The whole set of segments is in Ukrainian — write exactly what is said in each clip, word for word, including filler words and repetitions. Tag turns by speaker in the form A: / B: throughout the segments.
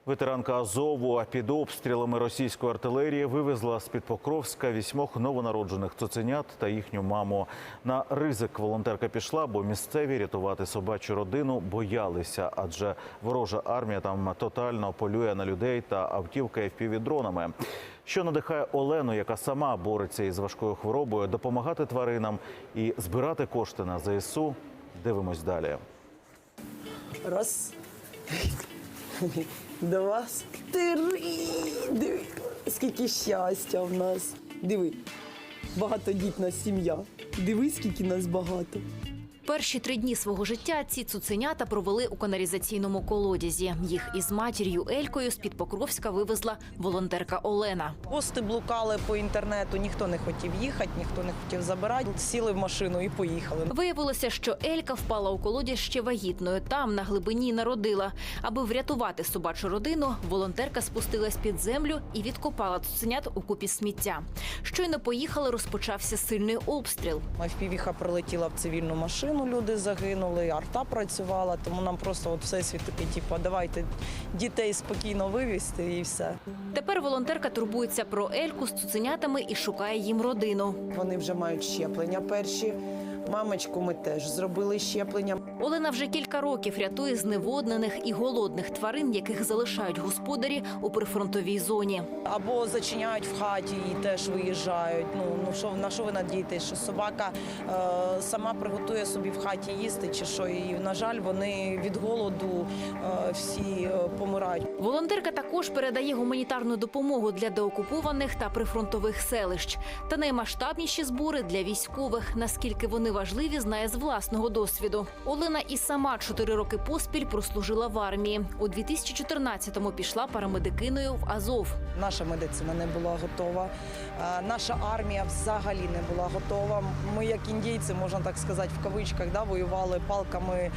A: Ветеранка Азову під обстрілами російської артилерії вивезла з-під Покровська вісьмох новонароджених цуценят та їхню маму. На ризик волонтерка пішла, бо місцеві рятувати собачу родину боялися, адже ворожа армія там тотально полює на людей та автівки еф пі ві-дронами. Що надихає Олену, яка сама бореться із важкою хворобою, допомагати тваринам і збирати кошти на зе ес у, дивимось далі.
B: Раз, два, три. Диви, скільки щастя в нас. Диви, багатодітна сім'я. Диви, скільки нас багато.
C: Перші три дні свого життя ці цуценята провели у каналізаційному колодязі. Їх із матір'ю Елькою з-під Покровська вивезла волонтерка Олена.
B: Пости блукали по інтернету, ніхто не хотів їхати, ніхто не хотів забирати. Сіли в машину і поїхали.
C: Виявилося, що Елька впала у колодязь ще вагітною. Там, на глибині, народила. Аби врятувати собачу родину, волонтерка спустилась під землю і відкопала цуценят у купі сміття. Щойно поїхали, розпочався сильний обстріл.
B: еф пі ві-ха прилетіла в цивільну машину. Люди загинули, арта працювала, тому нам просто от всесвіт такий, типу, давайте дітей спокійно вивезти і все.
C: Тепер волонтерка турбується про Ельку з цуценятами і шукає їм родину.
B: Вони вже мають щеплення перші. Мамочку ми теж зробили щеплення.
C: Олена вже кілька років рятує зневоднених і голодних тварин, яких залишають господарі у прифронтовій зоні.
B: Або зачиняють в хаті і теж виїжджають. Ну, ну що, на що ви надієтесь, що собака е, сама приготує собі в хаті їсти чи що? І, на жаль, вони від голоду е, всі е, помирають.
C: Волонтерка також передає гуманітарну допомогу для деокупованих та прифронтових селищ. Та наймасштабніші збори для військових. Наскільки вони важливі, знає з власного досвіду. Олена і сама чотири роки поспіль прослужила в армії. У дві тисячі чотирнадцятому пішла парамедикиною в Азов.
B: Наша медицина не була готова, наша армія взагалі не була готова. Ми, як індійці, можна так сказати, в кавичках, да, воювали палками.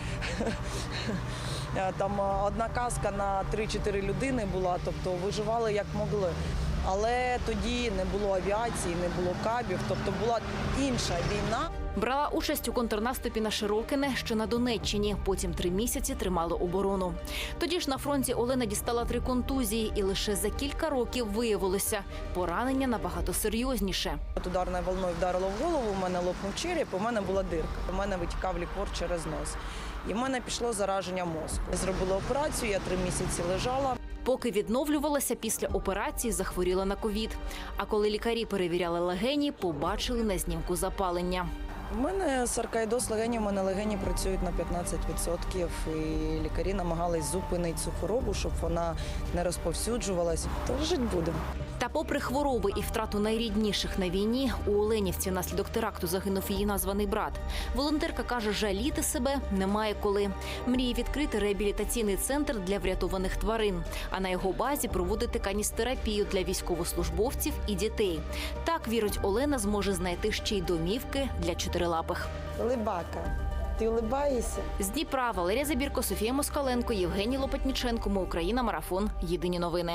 B: Там одна каска на три-чотири людини була, тобто виживали як могли. Але тоді не було авіації, не було кабів, тобто була інша війна.
C: Брала участь у контрнаступі на Широкине, що на Донеччині. Потім три місяці тримали оборону. Тоді ж на фронті Олена дістала три контузії, і лише за кілька років виявилося – поранення набагато серйозніше.
B: От ударною волною вдарило в голову, у мене лопнув череп, у мене була дирка. У мене витікав ліквор через нос. І в мене пішло зараження мозку. Зробила операцію, я три місяці лежала.
C: Поки відновлювалася після операції, захворіла на ковід. А коли лікарі перевіряли легені, побачили на знімку запалення.
B: У мене саркоїдоз легенів, у мене легені працюють на п'ятнадцять відсотків. І лікарі намагались зупинити цю хворобу, щоб вона не розповсюджувалась. То жити будемо.
C: Та попри хвороби і втрату найрідніших на війні, у Оленівці внаслідок теракту загинув її названий брат. Волонтерка каже, жаліти себе немає коли. Мріє відкрити реабілітаційний центр для врятованих тварин, а на його базі проводити каністерапію для військовослужбовців і дітей. Так, вірить Олена, зможе знайти ще й домівки для чотирилапих.
B: Либака, ти улибаєшся?
C: З Дніпра Валерія Забірко, Софія Москаленко, Євгеній Лопатніченко. Ми Україна. Марафон. Єдині новини.